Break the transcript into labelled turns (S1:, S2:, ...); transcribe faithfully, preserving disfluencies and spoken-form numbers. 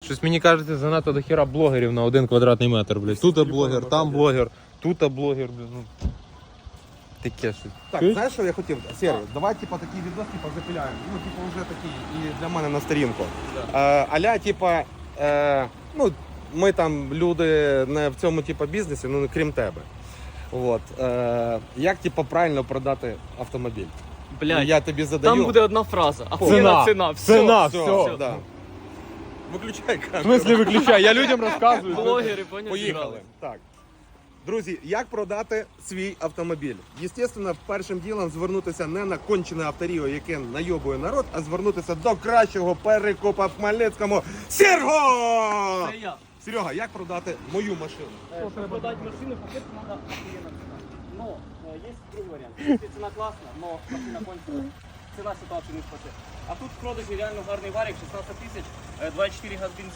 S1: Щось мені кажеться, занадто до хіра блогерів на один квадратний метр, блядь. Тут блогер, там блогер, тут блогер, блядь. Ну. Таке щось.
S2: Так,
S1: Чуєш?
S2: знаєш, що я хотів? Серій, давай типа такий відос типа запиляємо. Ну, типа вже такий і для мене на сторінку. Е, аля, типа, е, ну, ми там люди не в цьому типа бізнесі, ну крім тебе. От, е, як типа правильно продати автомобіль?
S3: Блядь,
S2: Я тобі задаю.
S3: там буде одна фраза. А
S1: Ціна.
S3: ціна, ціна, все.
S1: Ціна,
S2: все,
S1: все.
S2: Да. Виключай
S1: В
S2: камеру.
S1: смислі виключай, я людям розказую.
S3: Блогери, поняв,
S2: Поїхали.
S3: зіграли.
S2: Так. Друзі, як продати свій автомобіль? Єстественно, першим ділом звернутися не на кончене авторіо, яке найобує народ, а звернутися до кращого перекупа в Хмельницькому. Серго!
S3: Це я.
S2: Серега, як продати мою машину?
S3: Чтобы продать машину, по-первых, надо охуенно цена. Но э, есть другой вариант. Если цена классная, но машина кончена, цена ситуацию не спасет. А тут в продажі реально гарний варік, шістнадцять тисяч, е, два і чотири газ бензин.